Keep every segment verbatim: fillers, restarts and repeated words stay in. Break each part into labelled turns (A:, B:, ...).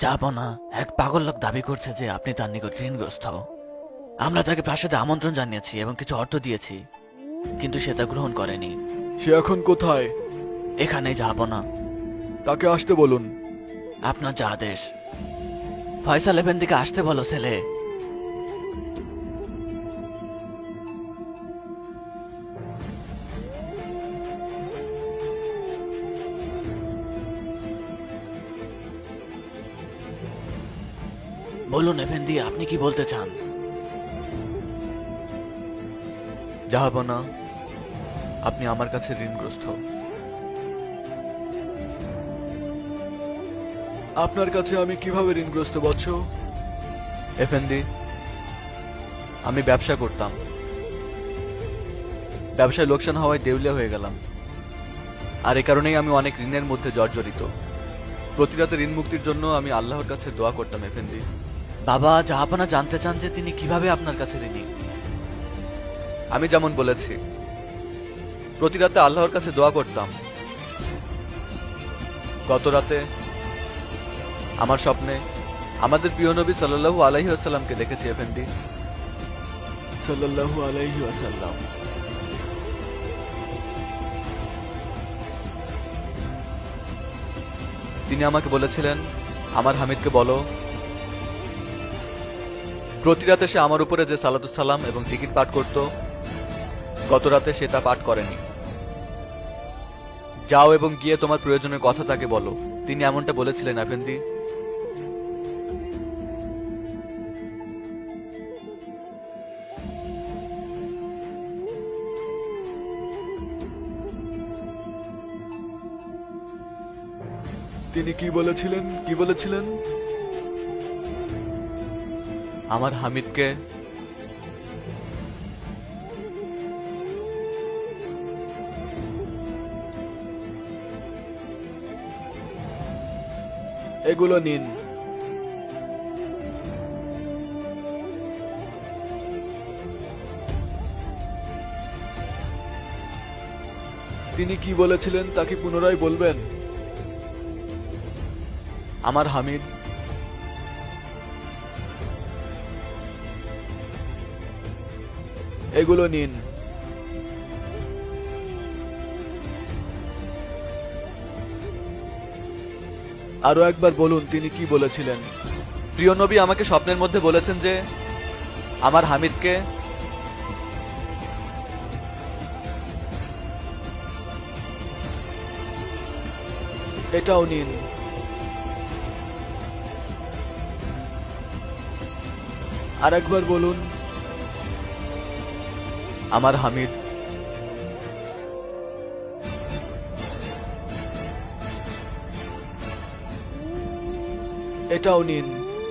A: যাব না। এক পাগল লোক দাবি করছে যে আপনি তার নিকট ঋণগ্রস্ত। আমরা তাকে প্রাসাদে আমন্ত্রণ জানিয়েছি এবং কিছু অর্থ দিয়েছি, কিন্তু সে তা গ্রহণ করেনি।
B: সে এখন কোথায়?
A: এখানেই যাব না।
B: তাকে আসতে বলুন।
A: আপনার যা আদেশ। ফয়সাল এফেন্দিকে আসতে বলো ছেলে। বলুন এফেন্দি, আপনি কি বলতে চান?
B: যাব না, আপনি আমার কাছে ঋণগ্রস্ত। আপনার কাছে আমি কিভাবে ঋণগ্রস্ত বৎস? এফেন্দি, আমি ব্যবসা করতাম। ব্যবসায় লোকসান হওয়ায় দেউলিয়া হয়ে গেলাম, আর এ কারণেই আমি অনেক ঋণের মধ্যে জর্জরিত। প্রতি রাতে ঋণ মুক্তির জন্য আমি আল্লাহর কাছে দোয়া করতাম এফেন্দি।
A: বাবা, জাহাপনা জানতে চান যে তিনি কিভাবে আপনার কাছে ঋণী।
B: আমি যেমন বলেছি, প্রতি রাতে আল্লাহর কাছে দোয়া করতাম। গত রাতে আমার স্বপ্নে আমাদের প্রিয় নবী সাল্লাল্লাহু আলাইহি ওয়াসাল্লামকে দেখেছি এফেন্দি। সাল্লাল্লাহু আলাইহি ওয়াসাল্লাম। তিনি আমাকে বলেছিলেন, আমার হামিদকে বলো প্রতি রাতে সে আমার উপরে যে সালাতুস সালাম এবং জিকির পাঠ করত, গত রাতে সে তা পাঠ করেনি। যাও এবং গিয়ে তোমার প্রয়োজনের কথা তাকে বলো। তিনি এমনটা বলেছিলেন এফেন্দি। তিনি কি বলেছিলেন? কি বলেছিলেন? আমার হামিদকে এগুলো নিন। তিনি কি বলেছিলেন তা কি পুনরায় বলবেন? আমার হামিদ এগুলো নিন। আরো একবার বলুন তিনি কি বলেছিলেন। প্রিয় নবী আমাকে স্বপ্নের মধ্যে বলেছেন যে আমার হামিদকে এটাও নিন। আর একবার বলুন, আমার হামিদ এটাও নিন।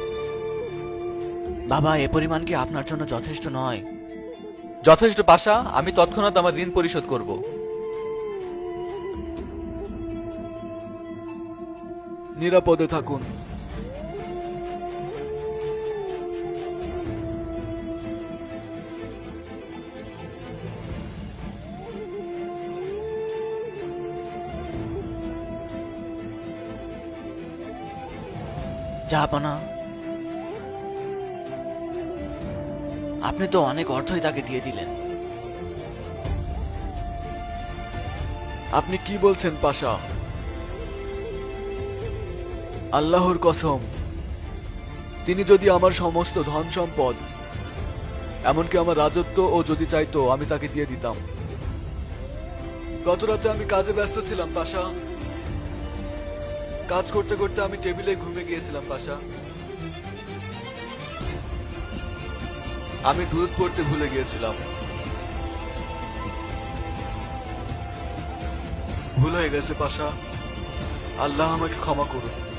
A: বাবা, এ পরিমাণ কি আপনার জন্য যথেষ্ট নয়?
B: যথেষ্ট পাশা, আমি তৎক্ষণাৎ আমার ঋণ পরিশোধ করব। নিরাপদে থাকুন।
A: জাহাপনা, আপনি তো অনেক অর্থই তাকে দিয়ে দিলেন।
B: আপনি কি বলছেন পাশা? আল্লাহর কসম, তিনি যদি আমার সমস্ত ধন সম্পদ, এমনকি আমার রাজত্ব ও যদি চাইতো আমি তাকে দিয়ে দিতাম। গত রাতে আমি কাজে ব্যস্ত ছিলাম পাশা। কাজ করতে করতে আমি টেবিলে ঘুমিয়ে গিয়েছিলাম পাশা। আমি দুধ পড়তে ভুলে গিয়েছিলাম। ভুল হয়ে গেছে পাশা, আল্লাহ আমাকে ক্ষমা করুন।